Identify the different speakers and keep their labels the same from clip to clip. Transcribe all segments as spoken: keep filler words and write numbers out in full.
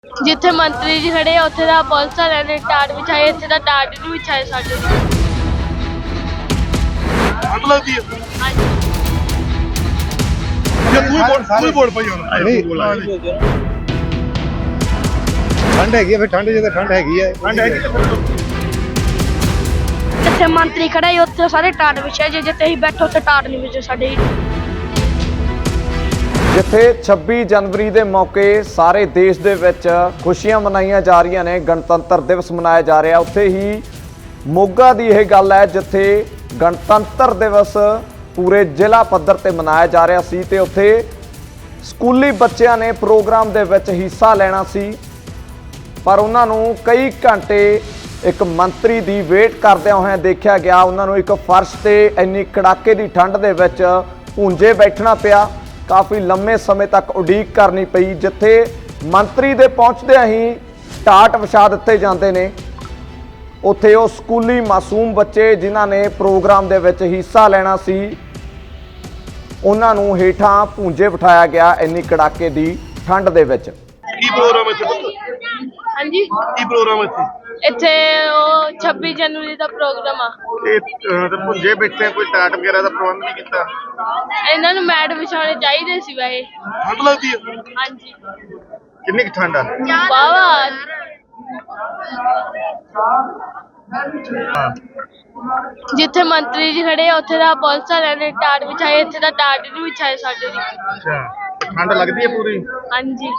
Speaker 1: जिथे मंत्री जी खड़े उत्थे दा पुलिस वालियां ने टाट बिछाई, इत्थे दा टाट नहीं बिछाए साडे।
Speaker 2: ठंड लगदी है
Speaker 1: हां
Speaker 2: ये कोई बोल कोई बोल पई ਹੁਣ
Speaker 3: ठंड हैगी फिर ठंड जे ठंड हैगी है
Speaker 2: ठंड हैगी
Speaker 1: जिथे मंत्री खड़े उत्थे सारे टाट बिछाए, जे जिथे ही बैठो उत्थे टाट नहीं बिछे साडे।
Speaker 4: जिथे छब्बी जनवरी ਦੇ ਮੌਕੇ ਸਾਰੇ ਦੇਸ਼ ਦੇ ਵਿੱਚ ਖੁਸ਼ੀਆਂ ਮਨਾਈਆਂ ਜਾ ਰਹੀਆਂ ਨੇ, ਗਣਤੰਤਰ ਦਿਵਸ ਮਨਾਇਆ ਜਾ ਰਿਹਾ, ਉੱਥੇ ਹੀ ਮੋਗਾ ਦੀ ਇਹ ਗੱਲ ਹੈ ਜਿੱਥੇ ਗਣਤੰਤਰ ਦਿਵਸ ਪੂਰੇ ਜ਼ਿਲ੍ਹਾ ਪੱਧਰ ਤੇ ਮਨਾਇਆ ਜਾ ਰਿਹਾ ਸੀ ਤੇ ਉੱਥੇ ਸਕੂਲੀ ਬੱਚਿਆਂ ਨੇ ਪ੍ਰੋਗਰਾਮ ਦੇ ਵਿੱਚ ਹਿੱਸਾ ਲੈਣਾ ਸੀ, ਪਰ ਉਹਨਾਂ ਨੂੰ ਕਈ ਘੰਟੇ ਇੱਕ ਮੰਤਰੀ ਦੀ ਵੇਟ ਕਰਦਿਆਂ ਹੋਇਆਂ ਦੇਖਿਆ ਗਿਆ। ਉਹਨਾਂ ਨੂੰ ਇੱਕ ਫਰਸ਼ ਤੇ ਇੰਨੀ ਕੜਾਕੇ ਦੀ ਠੰਡ ਦੇ ਵਿੱਚ ਭੁੰਜੇ ਬੈਠਣਾ ਪਿਆ, ਕਾਫੀ ਲੰਮੇ ਸਮੇਂ ਤੱਕ ਉਡੀਕ ਕਰਨੀ ਪਈ। ਜਿੱਥੇ ਮੰਤਰੀ ਦੇ ਪਹੁੰਚਦਿਆਂ ਹੀ ਟਾਟ ਵਿਛਾ ਦਿੱਤੇ ਜਾਂਦੇ ਨੇ, ਉੱਥੇ ਉਹ ਸਕੂਲੀ ਮਾਸੂਮ ਬੱਚੇ ਜਿਨ੍ਹਾਂ ਨੇ ਪ੍ਰੋਗਰਾਮ ਦੇ ਵਿੱਚ ਹਿੱਸਾ ਲੈਣਾ ਸੀ ਉਹਨਾਂ ਨੂੰ ਹੇਠਾਂ ਭੁੰਜੇ ਬਿਠਾਇਆ ਗਿਆ ਇੰਨੀ ਕੜਾਕੇ ਦੀ ਠੰਡ ਦੇ ਵਿੱਚ।
Speaker 2: ਕੀ ਪ੍ਰੋਗਰਾਮ ਇੱਥੇ ਪੁੱਤ?
Speaker 1: हाँ जी
Speaker 2: ਕੀ ਪ੍ਰੋਗਰਾਮ ਇੱਥੇ?
Speaker 1: इत्थे ओ छब्बीस जनवरी का प्रोग्राम आ।
Speaker 2: ਇਹ ਤੇ ਭੁੰਜੇ ਬੈਠੇ ਕੋਈ ਟਾਟ ਵਗੈਰਾ ਦਾ ਪ੍ਰਬੰਧ ਨਹੀਂ ਕੀਤਾ।
Speaker 1: इन्हां नूं मैट विछाउणे चाहीदे सी वैसे।
Speaker 2: ਠੰਡ ਲੱਗਦੀ ਹੈ
Speaker 1: हाँ जी
Speaker 2: ਕਿੰਨੀ ਕੁ ਠੰਡ ਆ?
Speaker 1: वावा जिथे मंत्री जी खड़े उत्थे दा पुलिस वालियां ने टाट बिछाई, इत्थे दा टाट नहीं बिछाए साडे।
Speaker 2: ਅੱਛਾ ਠੰਡ ਲੱਗਦੀ ਹੈ ਪੂਰੀ?
Speaker 1: हाँ जी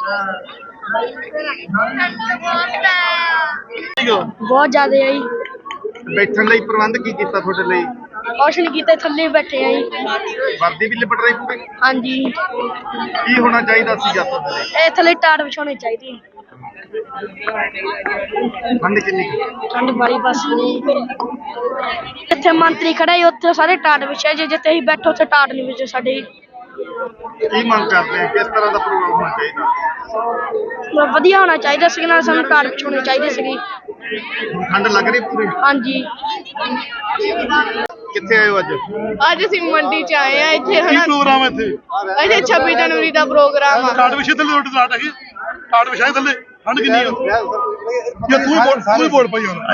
Speaker 2: ਠੀਕ ਆ।
Speaker 1: बहुत ज्यादा आई
Speaker 2: ਬੈਠਣ ਲਈ ਪ੍ਰਬੰਧ ਕੀ ਕੀਤਾ ਤੁਹਾਡੇ ਲਈ?
Speaker 1: कुछ नहीं कीता, थल्ले बैठे आई।
Speaker 2: ਵਰਦੀ ਵੀ ਲਿਪਟ ਰਹੀ ਪੂਰੀ?
Speaker 1: हाँ जी
Speaker 2: ਕੀ ਹੋਣਾ ਚਾਹੀਦਾ ਸੀ ਜੱਤ ਦੇ ਲਈ?
Speaker 1: ए थल्ले टाट बिछाउणे चाहिए।
Speaker 2: ਠੰਡ ਕਿੰਨੀ ਕੁ?
Speaker 1: ठंड बड़ी बस इत्थे मंत्री खड़े उत्थे सारे टाट बिछाए, जे जिथे ही बैठो उत्थे टाट नहीं बिछे साडे।
Speaker 2: ਕੀ ਮੰਗ ਕਰਦੇ ਆ ਕਿਸ ਤਰ੍ਹਾਂ ਦਾ ਪ੍ਰੋਗਰਾਮ ਹੋਣਾ ਚਾਹੀਦਾ?
Speaker 1: ਵਧੀਆ ਹੋਣਾ ਚਾਹੀਦਾ ਸੀ, ਨਾਲ ਸਾਨੂੰ ਟਾਟ ਬਿਛਾਉਣੇ ਚਾਹੀਦੇ ਸੀਗੇ।
Speaker 2: ਹੁਣ ਠੰਡ ਲੱਗ ਰਹੀ ਪੂਰੀ?
Speaker 1: ਹਾਂਜੀ
Speaker 2: ਕਿੱਥੇ ਆਏ ਹੋ ਅੱਜ?
Speaker 1: ਅੱਜ ਅਸੀਂ ਮੰਡੀ ਚ ਆਏ ਆ। ਇੱਥੇ
Speaker 2: ਕੀ ਪ੍ਰੋਗਰਾਮ ਹੈ ਇੱਥੇ?
Speaker 1: ਇੱਥੇ ਛੱਬੀ ਜਨਵਰੀ ਦਾ ਪ੍ਰੋਗਰਾਮ ਆ।
Speaker 2: ਟਾਟ ਵਿਛੇ ਥੱਲੇ ਉੱਡ ਟਾਟ ਹੈਗੀ? ਟਾਟ ਵਿਛਾਏ ਥੱਲੇ ਠੰਡ ਕਿੰਨੀ ਆ? ਇਹ ਤੂੰ ਹੀ ਬੋਲ ਤੂੰ ਹੀ ਬੋਲ ਪਈ ਹੁਣ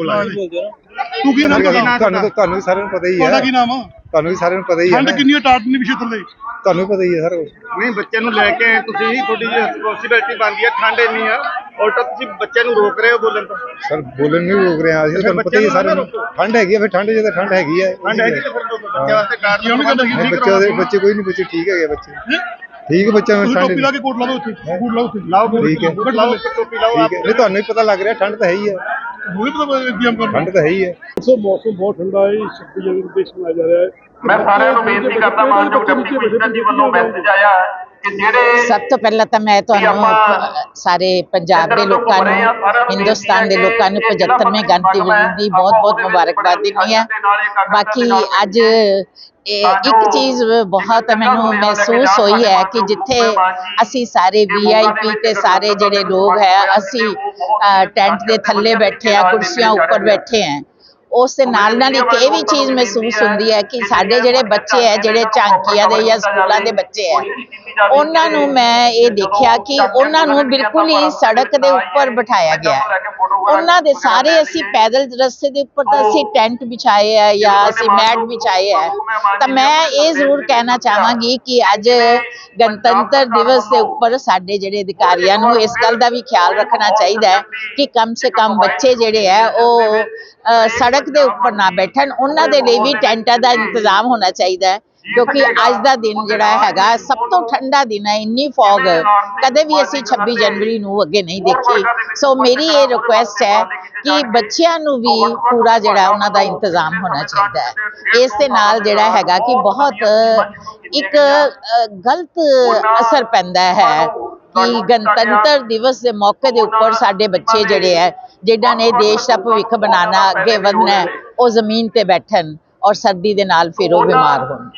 Speaker 2: ਤੂੰ ਕੀ ਨਾਮ?
Speaker 3: ਤੁਹਾਨੂੰ ਤੁਹਾਨੂੰ ਵੀ ਸਾਰਿਆਂ ਨੂੰ ਪਤਾ ਹੀ
Speaker 2: ਤੁਹਾਡਾ
Speaker 3: ਹੈ
Speaker 2: ਕੀ ਨਾਮ ਆ?
Speaker 3: ਤੁਹਾਨੂੰ ਵੀ ਸਾਰਿਆਂ ਨੂੰ ਪਤਾ ਹੀ ਹੈ
Speaker 2: ਠੰਡ ਕਿੰਨੀ ਆ? ਟਾਟ ਨਹੀਂ ਵਿਛੇ ਥੱਲੇ
Speaker 3: ਤੁਹਾਨੂੰ ਪਤਾ ਹੀ ਹੈ ਸਰ।
Speaker 2: ਨਹੀਂ ਬੱਚਿਆਂ ਨੂੰ ਲੈ ਕੇ ਤੁਸੀਂ ਹੀ ਤੁਹਾਡੀ ਰਿਸਪੌਂਸਿਬਿਲਟੀ ਬਣਦੀ ਹੈ। ਠੰਡ ਇੰਨੀ ਆ ਉਲਟਾ ਤੁਸੀਂ ਬੱਚਿਆਂ ਨੂੰ ਰੋਕ ਰਹੇ ਹੋ ਬੋਲਣ ਤੋਂ।
Speaker 3: ਸਰ ਬੋਲਣ ਨਹੀਂ ਰੋਕ ਰਹੇ ਹਾਂ ਅਸੀਂ, ਤੁਹਾਨੂੰ ਪਤਾ ਹੀ ਹੈ ਸਾਰਿਆਂ ਨੂੰ ਠੰਡ ਹੈਗੀ ਫਿਰ ਠੰਡ ਜੇ ਠੰਡ ਹੈਗੀ ਹੈ।
Speaker 2: ਠੰਡ ਹੈਗੀ ਤੇ ਫਿਰ ਬੱਚਿਆਂ ਵਾਸਤੇ ਟਾਟ ਦੀ ਉਹਨੂੰ ਕਹਿੰਦਾ
Speaker 3: ਨਹੀਂ, ਬੱਚੇ ਦੇ ਬੱਚੇ ਕੋਈ ਨਹੀਂ, ਬੱਚੇ ਠੀਕ ਹੈਗੇ ਬੱਚੇ ਠੀਕ ਹੈ। ਬੱਚਿਆਂ ਨੂੰ ਠੰਡ
Speaker 2: ਟੋਪੀ ਲਾ ਕੇ ਕੋਟ ਲਾ ਦੋ ਉੱਥੇ ਕੋਟ ਲਾਓ ਉੱਥੇ ਲਾਓ
Speaker 3: ਠੀਕ ਹੈ
Speaker 2: ਲਾਓ ਟੋਪੀ ਲਾਓ
Speaker 3: ਠੀਕ ਹੈ। ਨਹੀਂ ਤੁਹਾਨੂੰ ਵੀ ਪਤਾ ਲੱਗ ਰਿਹਾ ਠੰਡ ਤਾਂ ਹੈ ਹੀ ਹੈ,
Speaker 2: ਹੁਣੇ ਪਤਾ ਇੰਤਜ਼ਾਮ ਕਰਨਾ।
Speaker 3: ਠੰਡ ਤਾਂ ਹੈ ਹੀ ਹੈ।
Speaker 2: ਸੋ ਮੌਸਮ ਬਹੁਤ ਠੰਡਾ ਹੈ। ਛੱਬੀ ਜਨਵਰੀ ਨੂੰ ਦੇਸ਼ ਮਨਾਇਆ ਜਾ ਰਿਹਾ ਹੈ।
Speaker 5: ਮੈਂ ਸਾਰਿਆਂ ਨੂੰ ਬੇਨਤੀ ਕਰਦਾ ਮਾਨਯੋਗ ਡਿਪਟੀ ਕਮਿਸ਼ਨਰ ਜੀ ਵੱਲੋਂ ਮੈਸੇਜ ਆਇਆ ਕਿ ਜਿਹੜੇ
Speaker 6: ਸਭ ਤੋਂ ਪਹਿਲਾਂ ਤਾਂ ਮੈਂ ਤੁਹਾਨੂੰ ਸਾਰੇ ਪੰਜਾਬ ਦੇ ਲੋਕਾਂ ਨੂੰ, ਹਿੰਦੁਸਤਾਨ ਦੇ ਲੋਕਾਂ ਨੂੰ ਪਝੱਤਰਵੇਂ ਗਣਤੰਤਰ ਦਿਵਸ ਦੀ ਬਹੁਤ ਬਹੁਤ ਮੁਬਾਰਕਬਾਦ ਦਿੰਦੀ ਹਾਂ। ਬਾਕੀ ਅੱਜ ਇਹ ਇੱਕ ਚੀਜ਼ ਬਹੁਤ ਮੈਨੂੰ ਮਹਿਸੂਸ ਹੋਈ ਹੈ ਕਿ ਜਿੱਥੇ ਅਸੀਂ ਸਾਰੇ ਵੀ ਆਈ ਪੀ ਤੇ ਸਾਰੇ ਜਿਹੜੇ ਲੋਕ ਹੈ ਅਸੀਂ ਟੈਂਟ ਦੇ ਥੱਲੇ ਬੈਠੇ ਆ, ਕੁਰਸੀਆਂ ਉੱਪਰ ਬੈਠੇ ਆ, ਉਸ ਦੇ ਨਾਲ ਨਾਲ ਇੱਕ ਇਹ ਵੀ ਚੀਜ਼ ਮਹਿਸੂਸ ਹੁੰਦੀ ਹੈ ਕਿ ਸਾਡੇ ਜਿਹੜੇ ਬੱਚੇ ਹੈ, ਜਿਹੜੇ ਝਾਂਕੀਆਂ ਦੇ ਜਾਂ ਸਕੂਲਾਂ ਦੇ ਬੱਚੇ ਹੈ, ਉਹਨਾਂ ਨੂੰ ਮੈਂ ਇਹ ਦੇਖਿਆ ਕਿ ਉਹਨਾਂ ਨੂੰ ਬਿਲਕੁਲ ਹੀ ਸੜਕ ਦੇ ਉੱਪਰ ਬਿਠਾਇਆ ਗਿਆ। ਉਹਨਾਂ ਦੇ ਸਾਰੇ ਅਸੀਂ ਪੈਦਲ ਰਸਤੇ ਦੇ ਉੱਪਰ ਤਾਂ ਅਸੀਂ ਟੈਂਟ ਵਿਛਾਏ ਆ ਜਾਂ ਅਸੀਂ ਮੈਟ ਵਿਛਾਏ ਆ। ਤਾਂ ਮੈਂ ਇਹ ਜ਼ਰੂਰ ਕਹਿਣਾ ਚਾਹਾਂਗੀ ਕਿ ਅੱਜ ਗਣਤੰਤਰ ਦਿਵਸ ਦੇ ਉੱਪਰ ਸਾਡੇ ਜਿਹੜੇ ਅਧਿਕਾਰੀਆਂ ਨੂੰ ਇਸ ਗੱਲ ਦਾ ਵੀ ਖਿਆਲ ਰੱਖਣਾ ਚਾਹੀਦਾ ਹੈ ਕਿ ਕਮ ਸੇ ਕਮ ਬੱਚੇ ਜਿਹੜੇ ਹੈ ਉਹ ਸੜਕ ਦੇ ਉੱਪਰ ਨਾ ਬੈਠਣ, ਉਹਨਾਂ ਦੇ ਲਈ ਵੀ ਟੈਂਟਾਂ ਦਾ ਇੰਤਜ਼ਾਮ ਹੋਣਾ ਚਾਹੀਦਾ ਹੈ ਕਿਉਂਕਿ ਅੱਜ ਦਾ ਦਿਨ ਜਿਹੜਾ ਹੈਗਾ ਸਭ ਤੋਂ ਠੰਡਾ ਦਿਨ ਹੈ। ਇੰਨੀ ਫੌਗ ਕਦੇ ਵੀ ਅਸੀਂ ਛੱਬੀ ਜਨਵਰੀ ਨੂੰ ਅੱਗੇ ਨਹੀਂ ਦੇਖੀ। ਸੋ ਮੇਰੀ ਇਹ ਰਿਕੁਐਸਟ ਹੈ ਕਿ ਬੱਚਿਆਂ ਨੂੰ ਵੀ ਪੂਰਾ ਜਿਹੜਾ ਉਹਨਾਂ ਦਾ ਇੰਤਜ਼ਾਮ ਹੋਣਾ ਚਾਹੀਦਾ ਹੈ। ਇਸ ਦੇ ਨਾਲ ਜਿਹੜਾ ਹੈਗਾ ਕਿ ਬਹੁਤ ਇੱਕ ਗਲਤ ਅਸਰ ਪੈਂਦਾ ਹੈ ਕਿ ਗਣਤੰਤਰ ਦਿਵਸ ਦੇ ਮੌਕੇ ਦੇ ਉੱਪਰ ਸਾਡੇ ਬੱਚੇ ਜਿਹੜੇ ਹੈ ਜਿਨ੍ਹਾਂ ਨੇ ਦੇਸ਼ ਦਾ ਭਵਿੱਖ ਬਣਾਉਣਾ, ਅੱਗੇ ਵਧਣਾ, ਉਹ ਜ਼ਮੀਨ ਤੇ ਬੈਠਣ ਔਰ ਸਰਦੀ ਦੇ ਨਾਲ ਫਿਰ ਉਹ ਬਿਮਾਰ ਹੋਣ।